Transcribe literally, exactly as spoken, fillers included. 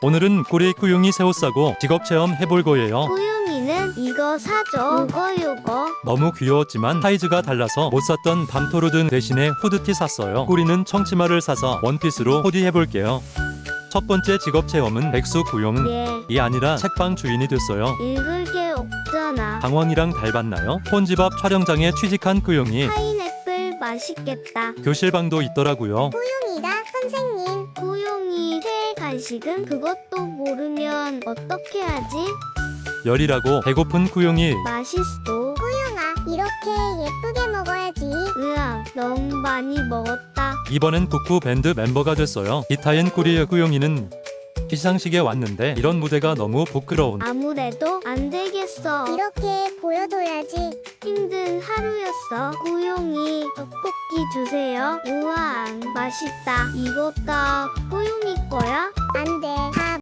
오늘은 꾸리 꾸용이 새 옷 사고 직업체험 해볼 거예요. 꾸용이는 이거 사줘. 요거 요거. 너무 귀여웠지만 사이즈가 달라서 못 샀던 밤토르든 대신에 후드티 샀어요. 꾸리는 청치마를 사서 원피스로 코디 해볼게요. 첫 번째 직업체험은 백수 꾸용. 예. 이 아니라 책방 주인이 됐어요. 읽을 게 없잖아. 당황이랑 닮았나요? 폰집 앞 촬영장에 취직한 꾸용이 파인애플 맛있겠다. 교실방도 있더라고요. 꾸용이다 선생님. 꾸용이 새해 간식은 그것도 모르면 어떻게 하지? 열이라고 배고픈 꾸용이 맛있어. 꾸용아, 이렇게 예쁘게 먹어야지. 으앙, 너무 많이 먹었다. 이번엔 국부 밴드 멤버가 됐어요. 기타인 꾸리의 꾸용이는 시상식에 왔는데 이런 무대가 너무 부끄러운 아무래도 안 되겠어. 이렇게 보여줘야지. 힘든 하루였어. 꾸용이 떡볶이 주세요. 우왕, 맛있다. 이거 다 꾸용이 거야? 안 돼. 다